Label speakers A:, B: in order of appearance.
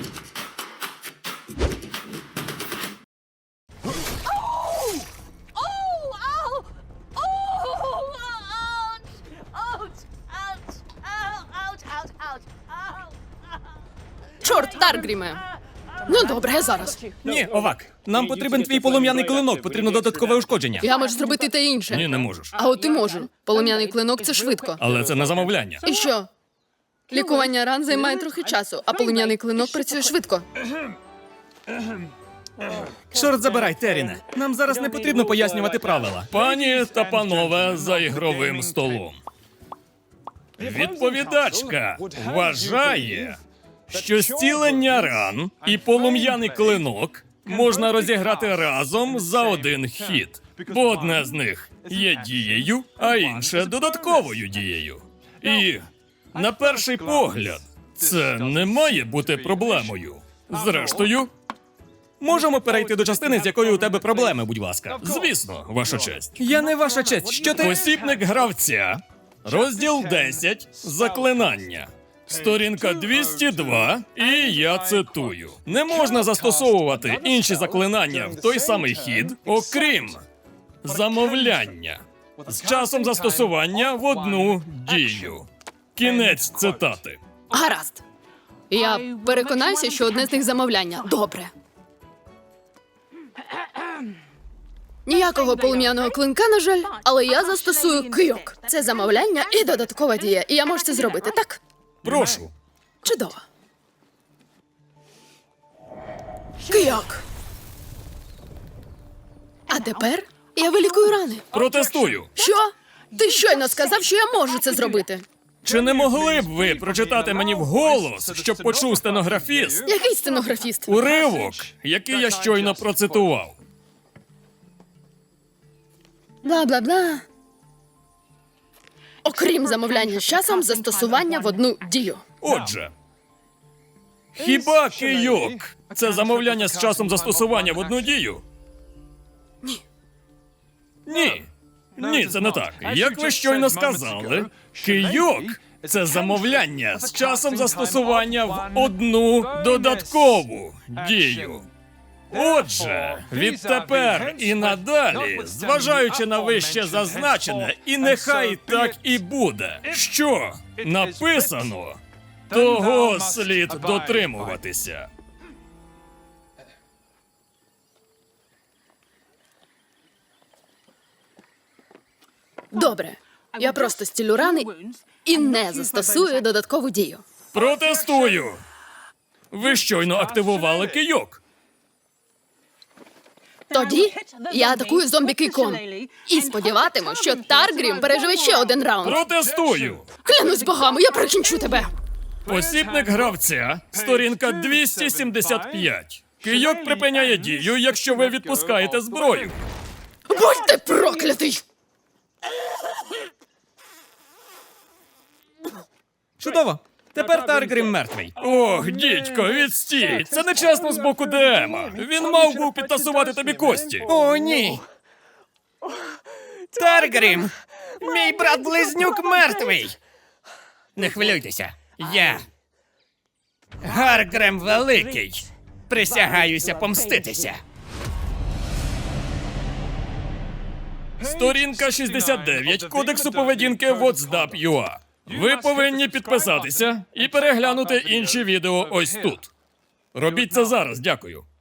A: Чорт, Таргріме! Ну добре, зараз.
B: Ні, Овак, нам потрібен твій полум'яний клинок, потрібно додаткове ушкодження.
A: Я можу зробити те інше.
B: Ні, не можеш.
A: А от ти можу. Полум'яний клинок – це швидко.
B: Але це на замовляння.
A: І що? Лікування ран займає трохи часу, а полум'яний клинок працює швидко.
B: Чорт забирай, Теріне. Нам зараз не потрібно пояснювати правила. Пані та панове за ігровим столом. Відповідачка вважає, що зцілення ран і полум'яний клинок можна розіграти разом за один хід. Бо одне з них є дією, а інше додатковою дією. І на перший погляд це не має бути проблемою. Зрештою, можемо перейти до частини, з якою у тебе проблеми, будь ласка. Звісно, ваша честь. Я не ваша честь. Що ти? Посібник гравця. Розділ 10. Заклинання. Сторінка 202, і я цитую. Не можна застосовувати інші заклинання в той самий хід, окрім замовляння. З часом застосування в одну дію. Кінець цитати.
A: Гаразд. Я переконаюся, що одне з них замовляння. Добре. Ніякого полум'яного клинка, на жаль, але я застосую кийок. Це замовляння і додаткова дія. І я можу це зробити, так?
B: Прошу.
A: Чудово. Кийок. А тепер я вилікую рани.
B: Протестую.
A: Що? Ти щойно сказав, що я можу це зробити.
B: Чи не могли б ви прочитати мені вголос, щоб почув стенографіст,
A: Який стенографіст?
B: уривок, який я щойно процитував?
A: Бла-бла-бла. Окрім замовляння з часом, застосування в одну дію.
B: Отже, хіба кийок – це замовляння з часом застосування в одну дію?
A: Ні.
B: Ні. Ні, це не так. Як ви щойно сказали, кийок – це замовляння з часом застосування в одну додаткову дію. Отже, відтепер і надалі, зважаючи на вище зазначене, і нехай так і буде, що написано, того слід дотримуватися.
A: Добре. Я просто стілю рани і не застосую додаткову дію.
B: Протестую! Ви щойно активували кийок.
A: Тоді я атакую зомбі-кийком. І сподіватиму, що Таргрім переживе ще один раунд.
B: Протестую!
A: Клянусь богами, я прикінчу тебе.
B: Посібник гравця, сторінка 275. Кийок припиняє дію, якщо ви відпускаєте зброю.
A: Будь ти проклятий!
B: Чудово. Тепер Таргрім мертвий. Ох, дідько, відстій! Це нечесно з боку ДМа. Він мав був підтасувати тобі кості.
C: О, ні. Таргрім! Мій брат-близнюк мертвий! Не хвилюйтеся, я Гаргрем Великий. Присягаюся помститися.
B: Сторінка 69 Кодексу поведінки WhatsApp.ua. Ви повинні підписатися і переглянути інші відео ось тут. Робіть це зараз, дякую.